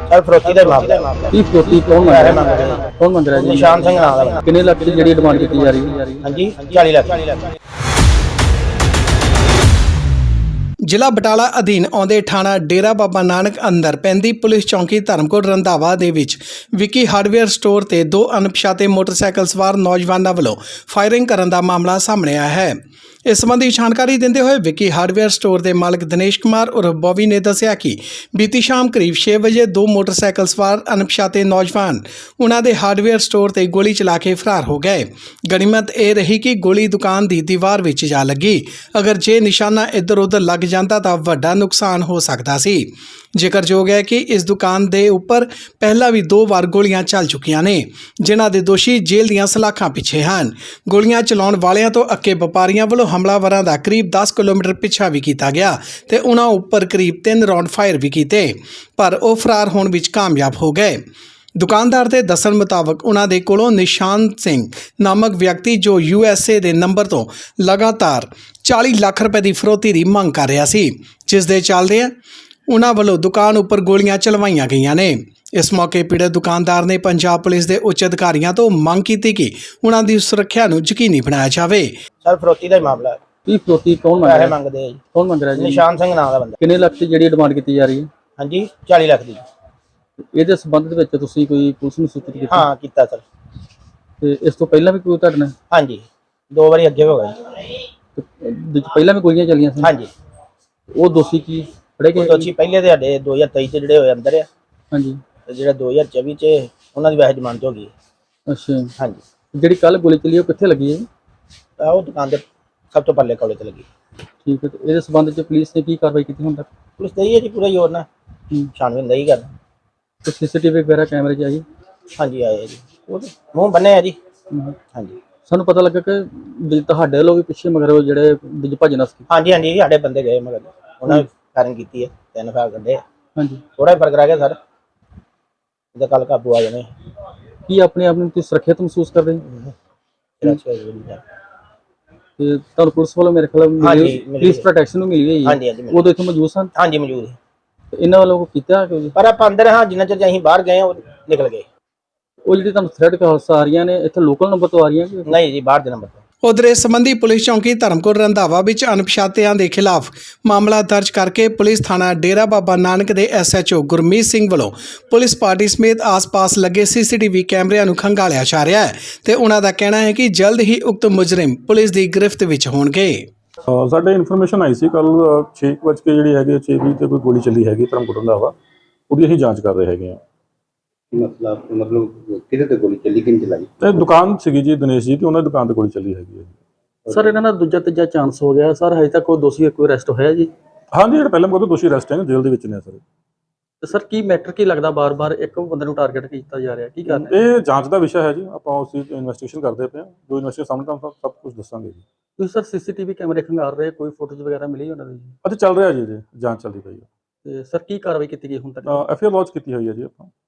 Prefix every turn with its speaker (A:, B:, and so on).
A: Sir फरोती का मामला
B: ਕੀ ਫਰੋਤੀ ਕੌਣ ਮੰਗ ਰਿਹਾ ਕੌਣ ਮੰਗ ਰਿਹਾ ਜੀ
A: निशान सिंह नाम का
B: ਕਿੰਨੇ ਲੱਖ ਦੀ ਜਿਹੜੀ ਡਿਮਾਂਡ ਕੀਤੀ ਜਾ ਰਹੀ ਹੈ
A: हाँ जी 40 लाख
C: ਜ਼ਿਲ੍ਹਾ ਬਟਾਲਾ ਅਧੀਨ ਆਉਂਦੇ ਥਾਣਾ ਡੇਰਾ ਬਾਬਾ ਨਾਨਕ ਅੰਦਰ ਪੈਂਦੀ ਪੁਲਿਸ ਚੌਂਕੀ ਧਰਮਕੋਟ ਰੰਧਾਵਾ ਦੇ ਵਿੱਚ ਵਿੱਕੀ ਹਾਰਡਵੇਅਰ ਸਟੋਰ ਤੇ ਦੋ ਅਣਪਛਾਤੇ ਮੋਟਰਸਾਈਕਲ ਸਵਾਰ ਨੌਜਵਾਨਾਂ ਵੱਲੋਂ ਫਾਇਰਿੰਗ ਕਰਨ ਦਾ ਮਾਮਲਾ ਸਾਹਮਣੇ ਆਇਆ ਹੈ। ਇਸ ਸੰਬੰਧੀ ਜਾਣਕਾਰੀ ਦਿੰਦੇ ਹੋਏ ਵਿੱਕੀ ਹਾਰਡਵੇਅਰ ਸਟੋਰ ਦੇ ਮਾਲਕ ਦਿਨੇਸ਼ ਕੁਮਾਰ ਉਰਫ ਬੋਵੀ ਨੇ ਦੱਸਿਆ ਕਿ ਬੀਤੀ ਸ਼ਾਮ ਕਰੀਬ 6 ਵਜੇ ਦੋ ਮੋਟਰਸਾਈਕਲ ਸਵਾਰ ਅਣਪਛਾਤੇ ਨੌਜਵਾਨ ਉਹਨਾਂ ਦੇ ਹਾਰਡਵੇਅਰ ਸਟੋਰ ਤੇ ਗੋਲੀ ਚਲਾ ਕੇ ਫਰਾਰ ਹੋ ਗਏ। ਗਨੀਮਤ ਇਹ ਰਹੀ ਕਿ ਗੋਲੀ ਦੁਕਾਨ ਦੀ ਦੀਵਾਰ ਵਿੱਚ ਜਾ ਲੱਗੀ। ਅਗਰ ਜੇ ਨਿਸ਼ਾਨਾ ਇੱਧਰ ਉੱਧਰ ਲੱਗ ਜਾਂਦਾ ਤਾਂ ਵੱਡਾ ਨੁਕਸਾਨ ਹੋ ਸਕਦਾ ਸੀ। ਜ਼ਿਕਰਯੋਗ ਹੈ ਕਿ ਇਸ ਦੁਕਾਨ ਦੇ ਉੱਪਰ ਪਹਿਲਾਂ ਵੀ 2 ਵਾਰ ਗੋਲੀਆਂ ਚੱਲ ਚੁੱਕੀਆਂ ਨੇ, ਜਿਨ੍ਹਾਂ ਦੇ ਦੋਸ਼ੀ ਜੇਲ੍ਹ ਦੀਆਂ ਸਲਾਖਾਂ ਪਿੱਛੇ ਹਨ। ਗੋਲੀਆਂ ਚਲਾਉਣ ਵਾਲਿਆਂ ਤੋਂ ਅੱਕੇ ਵਪਾਰੀਆਂ ਵੱਲੋਂ ਹਮਲਾਵਰਾਂ ਦਾ ਕਰੀਬ 10 ਕਿਲੋਮੀਟਰ ਪਿੱਛਾ ਵੀ ਕੀਤਾ ਗਿਆ ਤੇ ਉਹਨਾਂ ਉੱਪਰ ਕਰੀਬ 3 ਰਾਉਂਡ ਫਾਇਰ ਵੀ ਕੀਤੇ, ਪਰ ਉਹ ਫਰਾਰ ਹੋਣ ਵਿੱਚ ਕਾਮਯਾਬ ਹੋ ਗਏ। ਦੁਕਾਨਦਾਰ ਦੇ ਦੱਸਣ ਮੁਤਾਬਕ ਉਹਨਾਂ ਦੇ ਕੋਲੋਂ ਨਿਸ਼ਾਨ ਸਿੰਘ ਨਾਮਕ ਵਿਅਕਤੀ ਜੋ USA ਦੇ ਨੰਬਰ ਤੋਂ ਲਗਾਤਾਰ 40 ਲੱਖ ਰੁਪਏ ਦੀ ਫਰੋਤੀ ਦੀ ਮੰਗ ਕਰ ਰਿਹਾ ਸੀ, ਜਿਸ ਦੇ ਚੱਲਦੇ ਉਹਨਾਂ ਵੱਲੋਂ ਦੁਕਾਨ ਉੱਪਰ ਗੋਲੀਆਂ ਚਲਵਾਈਆਂ ਗਈਆਂ ਨੇ। ਇਸ ਮੌਕੇ ਪੀੜਤ ਦੁਕਾਨਦਾਰ ਨੇ ਪੰਜਾਬ ਪੁਲਿਸ ਦੇ ਉੱਚ ਅਧਿਕਾਰੀਆਂ ਤੋਂ ਮੰਗ ਕੀਤੀ ਕਿ ਉਹਨਾਂ ਦੀ ਸੁਰੱਖਿਆ ਨੂੰ ਯਕੀਨੀ ਬਣਾਇਆ ਜਾਵੇ।
A: सर फरोती का मामला
B: ਕੀ ਫਰੋਤੀ ਕੌਣ ਮੰਗ
A: पैसे
B: ਰਿਹਾ
A: मंगते हैं जी
B: ਕੌਣ ਮੰਗ ਰਿਹਾ ਜੀ
A: निशान सिंह नाम का बंदा
B: ਕਿੰਨੇ ਲੱਖ ਦੀ ਜਿਹੜੀ ਡਿਮਾਂਡ ਕੀਤੀ ਜਾ ਰਹੀ ਹੈ
A: हाँ जी 40 लाख दी
B: ਇਹਦੇ ਸੰਬੰਧ ਦੇ ਵਿੱਚ ਤੁਸੀਂ ਕੋਈ ਪੁਲਿਸ ਨੂੰ ਸੂਚਿਤ ਕੀਤਾ
A: हाँ किया सर
B: ਤੇ ਇਸ ਤੋਂ ਪਹਿਲਾਂ ਵੀ ਕੋਈ ਤੁਹਾਡੇ ਨਾਲ
A: हाँ जी 2 बारी अगे हो गए
B: ਤੇ ਪਹਿਲਾਂ ਵੀ ਗੋਲੀਆਂ ਚੱਲੀਆਂ ਸੀ
A: हाँ जी
B: ਉਹ ਦੋਸ਼ੀ ਕੀ ਫੜੇ ਗਏ
A: ਦੋਸ਼ੀ ਪਹਿਲੇ ਦੇ ਸਾਡੇ 2023 ਚ ਜਿਹੜੇ ਹੋਏ ਅੰਦਰ ਆ
B: ਹਾਂਜੀ
A: ਤੇ ਜਿਹੜਾ 2024 ਚ ਉਹਨਾਂ ਦੀ ਵੈਸੇ ਜ਼ਮਾਨਤ ਹੋ ਗਈ
B: ਅੱਛਾ
A: हाँ जी
B: ਜਿਹੜੀ ਕੱਲ ਗੋਲੀ ਚੱਲੀ ਉਹ ਕਿੱਥੇ ਲੱਗੀ ਹੈ ਜੀ?
A: ਤਾਂ ਉਹ ਦੁਕਾਨ ਦੇ ਸਭ ਤੋਂ ਪੱਲੇ ਕੋਲੇ ਤੇ ਲੱਗੀ।
B: ਠੀਕ ਹੈ ਤੇ ਇਹਦੇ ਸੰਬੰਧ ਚ ਪੁਲਿਸ ਨੇ ਕੀ ਕਾਰਵਾਈ ਕੀਤੀ ਹੁਣ ਤੱਕ
A: ਪੁਲਿਸ ਤੇ ਹੀ ਹੈ ਜੀ ਪੂਰਾ ਜ਼ੋਰ ਨਾਲ ਛਾਣਬੀਨ ਨਹੀਂ ਕਰਨਾ।
B: ਤੇ CCTV ਵਗੈਰਾ ਕੈਮਰੇ 'ਚ ਆਈ
A: हाँ जी आए जी ਉਹ ਤੇ ਮੂੰਹ ਬੰਨੇ ਆ ਜੀ हाँ जी
B: ਸਾਨੂੰ ਪਤਾ ਲੱਗਾ ਕਿ ਵੀ ਤੁਹਾਡੇ ਵੱਲੋਂ ਵੀ ਪਿੱਛੇ ਮਗਰ ਉਹ ਜਿਹੜੇ ਵਿੱਚ ਭੱਜਣਾ ਸੀ
A: हाँ जी हाँ जी ਸਾਡੇ ਬੰਦੇ ਗਏ ਮਗਰ ਉਹਨਾਂ ਨੇ ਫਾਇਰਿੰਗ ਕੀਤੀ ਹੈ 3 ਫਾਇਰ ਕੱਢੇ
B: ਹਾਂਜੀ
A: ਥੋੜਾ ਫਰਕ ਰਹਿ ਗਿਆ ਸਰ ਇਹਦਾ ਕੱਲ ਕਾਬੂ ਆ ਜਾਣੇ
B: ਕੀ ਆਪਣੇ ਆਪ ਨੂੰ ਤੁਸੀਂ ਸੁਰੱਖਿਅਤ ਮਹਿਸੂਸ ਕਰਦੇ ਹੋ? ਤੇ ਤੁਹਾਨੂੰ ਪੁਲਿਸ ਵੱਲੋਂ ਮੇਰੇ ਖਿਆਲ
A: ਹਾਂਜੀ, ਮਿਲੀ
B: ਪੁਲਿਸ
A: ਹੈ।
B: ਪ੍ਰੋਟੈਕਸ਼ਨ ਨੂੰ ਮਿਲੀ ਹੋਈ
A: ਹਾਂਜੀ,
B: ਹੈ
A: ਹਾਂਜੀ, ਮਿਲੀ।
B: ਉਦੋਂ ਇੱਥੇ ਮੌਜੂਦ ਸਨ
A: हाँ जी मौजूद है
B: ਤੇ ਇਹਨਾਂ ਵੱਲੋਂ ਕੋਈ ਕੀਤਾ ਕਿ
A: ਪਰ ਆਪਾਂ ਅੰਦਰ ਹਾਂ ਜਿੰਨਾ ਚਿਰ ਅਸੀਂ ਬਾਹਰ ਗਏ ਉਹ ਨਿਕਲ ਗਏ
B: ਉਹ ਜਿਹੜੀ ਤੁਹਾਨੂੰ ਥ੍ਰੈਡ ਕਾਲਸ ਆ ਰਹੀਆਂ ਨੇ ਇੱਥੇ ਲੋਕਲ ਨੰਬਰ ਤੋਂ ਆ ਰਹੀਆਂ ਕਿ
A: ਨਹੀਂ ਜੀ ਬਾਹਰ ਦੇ ਨੰਬਰ ਤੋਂ
C: ਉਧਰ ਇਸ ਸੰਬੰਧੀ ਪੁਲਿਸ ਚੌਂਕੀ ਧਰਮਕੋਟ ਰੰਧਾਵਾ ਵਿੱਚ ਅਣਪਛਾਤਿਆਂ ਦੇ ਖਿਲਾਫ ਮਾਮਲਾ ਦਰਜ ਕਰਕੇ ਪੁਲਿਸ ਥਾਣਾ ਡੇਰਾ ਬਾਬਾ ਨਾਨਕ ਦੇ SHO ਗੁਰਮੀਤ ਸਿੰਘ ਵੱਲੋਂ ਪੁਲਿਸ ਪਾਰਟੀ ਸਮੇਤ ਆਸ-ਪਾਸ ਲੱਗੇ CCTV ਕੈਮਰਿਆਂ ਨੂੰ ਖੰਗਾਲਿਆ ਜਾ ਰਿਹਾ ਹੈ ਤੇ ਉਹਨਾਂ ਦਾ ਕਹਿਣਾ ਹੈ ਕਿ ਜਲਦ ਹੀ ਉਕਤ ਮੁਜਰਮ ਪੁਲਿਸ ਦੀ ਗ੍ਰਿਫਤ ਵਿੱਚ ਹੋਣਗੇ।
D: ਸਾਡੇ ਇਨਫੋਰਮੇਸ਼ਨ ਆਈ ਸੀ ਕੱਲ 6 ਵਜੇ ਜਿਹੜੀ ਹੈਗੀ 6:20 ਤੇ ਕੋਈ ਗੋਲੀ ਚੱਲੀ ਹੈਗੀ ਧਰਮਕੋਟ ਰੰਧਾਵਾ, ਉਹਦੀ ਅਸੀਂ ਜਾਂਚ ਕਰ ਰਹੇ ਹੈਗੇ ਹਾਂ।
E: मतलब किधर तक गोली चली किन चलाई
D: ਇਹ ਦੁਕਾਨ ਸੀਗੀ ਜੀ ਦਿਨੇਸ਼ ਜੀ ਤੇ ਉਹਨਾਂ ਦੀ ਦੁਕਾਨ ਤੇ ਗੋਲੀ ਚੱਲੀ ਹੈਗੀ ਹੈ।
B: ਸਰ ਇਹਨਾਂ ਦਾ ਦੂਜਾ ਤੀਜਾ ਚਾਂਸ ਹੋ ਗਿਆ ਸਰ, ਹਜੇ ਤੱਕ ਕੋਈ ਦੋਸ਼ੀ ਕੋਈ ਅਰੈਸਟ ਹੋਇਆ ਜੀ?
D: ਹਾਂਜੀ ਜਿਹੜਾ ਪਹਿਲਾਂ ਬਹੁਤ ਦੋਸ਼ੀ ਅਰੈਸਟ ਹੈ ਜੇਲ੍ਹ ਦੇ ਵਿੱਚ ਨੇ ਸਰ।
B: ਤੇ ਸਰ ਕੀ ਮੈਟਰ ਕੀ ਲੱਗਦਾ ਬਾਰ-ਬਾਰ ਇੱਕ ਬੰਦੇ ਨੂੰ ਟਾਰਗੇਟ ਕੀਤਾ ਜਾ ਰਿਹਾ, ਕੀ ਕਾਰਨ ਹੈ?
D: ਇਹ ਜਾਂਚ ਦਾ ਵਿਸ਼ਾ ਹੈ ਜੀ, ਆਪਾਂ ਉਸ ਦੀ ਇਨਵੈਸਟੀਗੇਸ਼ਨ ਕਰਦੇ ਪਏ ਹਾਂ। ਜੋ ਇਨਵੈਸਟੀਗੇਸ਼ਨ ਸਾਹਮਣੇ ਤੁਹਾਨੂੰ ਸਭ ਕੁਝ ਦੱਸਾਂਗੇ ਜੀ।
B: ਤੁਸੀਂ ਸਰ CCTV ਕੈਮਰੇ ਖੰਗਾਲ ਰਹੇ, ਕੋਈ ਫੋਟੋਜ਼ ਵਗੈਰਾ ਮਿਲੀ ਉਹਨਾਂ ਦੀ ਜੀ?
D: ਅਤੇ ਚੱਲ ਰਿਹਾ ਜੀ, ਜਾਂਚ ਚੱਲਦੀ ਪਈ ਹੈ।
B: ਤੇ ਸਰ ਕੀ ਕਾਰਵਾਈ ਕੀਤੀ ਗਈ ਹੁਣ ਤੱਕ?
D: FIR ਲੌਂਚ ਕੀਤੀ ਹੋਈ ਹੈ ਜੀ ਆਪਾਂ।